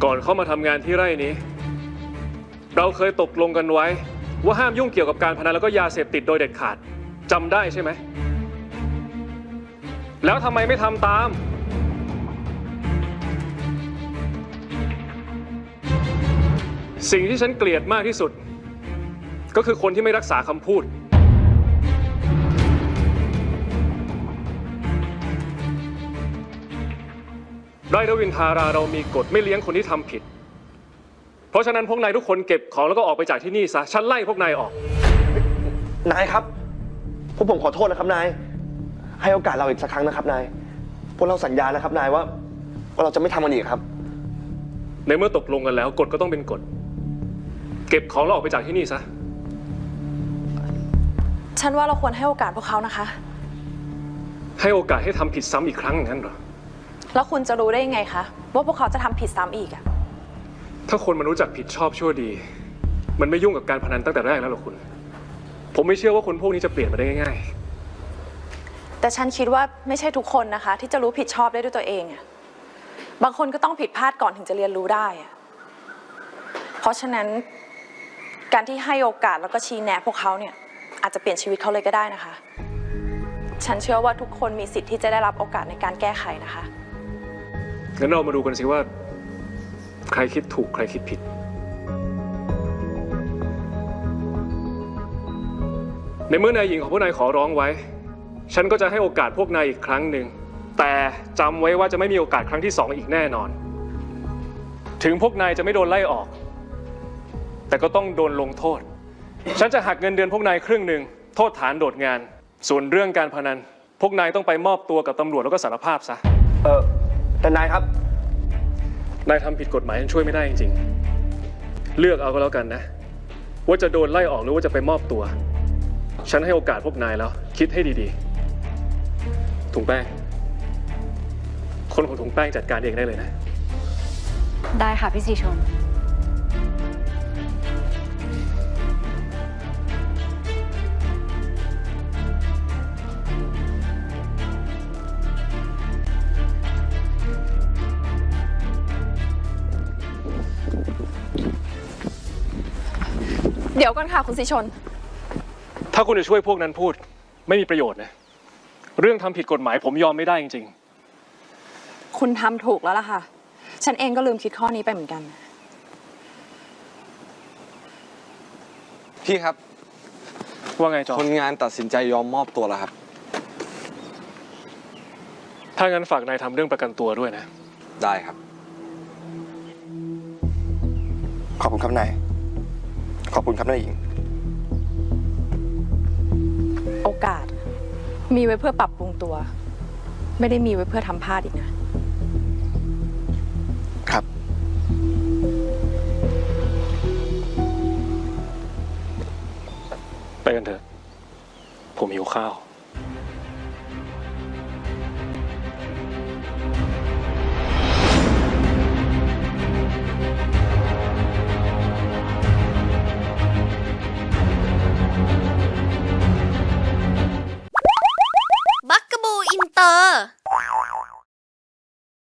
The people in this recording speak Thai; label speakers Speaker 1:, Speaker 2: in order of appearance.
Speaker 1: ก่อนเข้ามาทำงานที่ไร่นี้เราเคยตกลงกันไว้ว่าห้ามยุ่งเกี่ยวกับการพนันแล้วก็ยาเสพติดโดยเด็ดขาดจำได้ใช่ไหมแล้วทำไมไม่ทำตามสิ่งที่ฉันเกลียดมากที่สุดก็คือคนที่ไม่รักษาคำพูดไร่รวินทาราเรามีกฎไม่เลี้ยงคนที่ทำผิดเพราะฉะนั้นพวกนายทุกคนเก็บของแล้วก็ออกไปจากที่นี่ซะฉันไล่พวกนายออก
Speaker 2: นายครับพวกผมขอโทษนะครับนายให้โอกาสเราอีกสักครั้งนะครับนายพวกเราสัญญานะครับนายว่าเราจะไม่ทำมันอีกครับ
Speaker 1: ในเมื่อตกลงกันแล้วกฎก็ต้องเป็นกฎเก็บของแล้วออกไปจากที่นี่ซะ
Speaker 3: ฉันว่าเราควรให้โอกาสพวกเขานะคะ
Speaker 1: ให้โอกาสให้ทำผิดซ้ำอีกครั้งอย่างนั้นเหรอ
Speaker 3: แล้วคุณจะรู้ได้ยังไงคะว่าพวกเขาจะทำผิดซ้ำอีกอะ
Speaker 1: ถ้าคนมันรู้จักผิดชอบชั่วดีมันไม่ยุ่งกับการพนันตั้งแต่แรกแล้วหรอคุณผมไม่เชื่อว่าคนพวกนี้จะเปลี่ยนมาได้ง่าย
Speaker 3: ๆแต่ฉันคิดว่าไม่ใช่ทุกคนนะคะที่จะรู้ผิดชอบได้ด้วยตัวเองอะบางคนก็ต้องผิดพลาดก่อนถึงจะเรียนรู้ได้อะเพราะฉะนั้นการที่ให้โอกาสแล้วก็ชี้แนะพวกเขาเนี่ยอาจจะเปลี่ยนชีวิตเขาเลยก็ได้นะคะฉันเชื่อว่าทุกคนมีสิทธิ์ที่จะได้รับโอกาสในการแก้ไขนะคะ
Speaker 1: งั้นเรามาดูกันสิว่าใครคิดถูกใครคิดผิดในเมื่อนายหญิงของพวกนายขอร้องไว้ฉันก็จะให้โอกาสพวกนายอีกครั้งหนึ่งแต่จำไว้ว่าจะไม่มีโอกาสครั้งที่2อีกแน่นอนถึงพวกนายจะไม่โดนไล่ออกแต่ก็ต้องโดนลงโทษฉันจะหักเงินเดือนพวกนายครึ่งหนึ่งโทษฐานโดดงานส่วนเรื่องการพนันพวกนายต้องไปมอบตัวกับตำรวจแล้วก็สารภาพซะ
Speaker 2: แต่นายครับ
Speaker 1: นายทำผิดกฎหมายฉันช่วยไม่ได้จริงๆเลือกเอาก็แล้วกันนะว่าจะโดนไล่ออกหรือว่าจะไปมอบตัวฉันให้โอกาสพวกนายแล้วคิดให้ดีๆถุงแป้งคนของถุงแป้งจัดการเองได้เลยนะ
Speaker 4: ได้ค่ะพี่สีชน
Speaker 3: เดี๋ยวก่อนค่ะคุณสีชน
Speaker 1: ถ้าคุณจะช่วยพวกนั้นพูดไม่มีประโยชน์นะเรื่องทำผิดกฎหมายผมยอมไม่ได้จริง
Speaker 3: ๆคุณทำถูกแล้วล่ะค่ะฉันเองก็ลืมคิดข้อนี้ไปเหมือนกัน
Speaker 5: พี่ครับ
Speaker 1: ว่าไงจอ
Speaker 5: คนงานตัดสินใจยอมมอบตัวแล้วครับ
Speaker 1: ถ้างั้นฝากนายทำเรื่องประกันตัวด้วยนะ
Speaker 5: ได้ครับ
Speaker 2: ขอบคุณครับนายขอบคุณครับนายหญิง
Speaker 3: โอกาสมีไว้เพื่อปรับปรุงตัวไม่ได้มีไว้เพื่อทำพลาดอีกนะครับ
Speaker 1: ไปกันเถอะผมหิวข้าว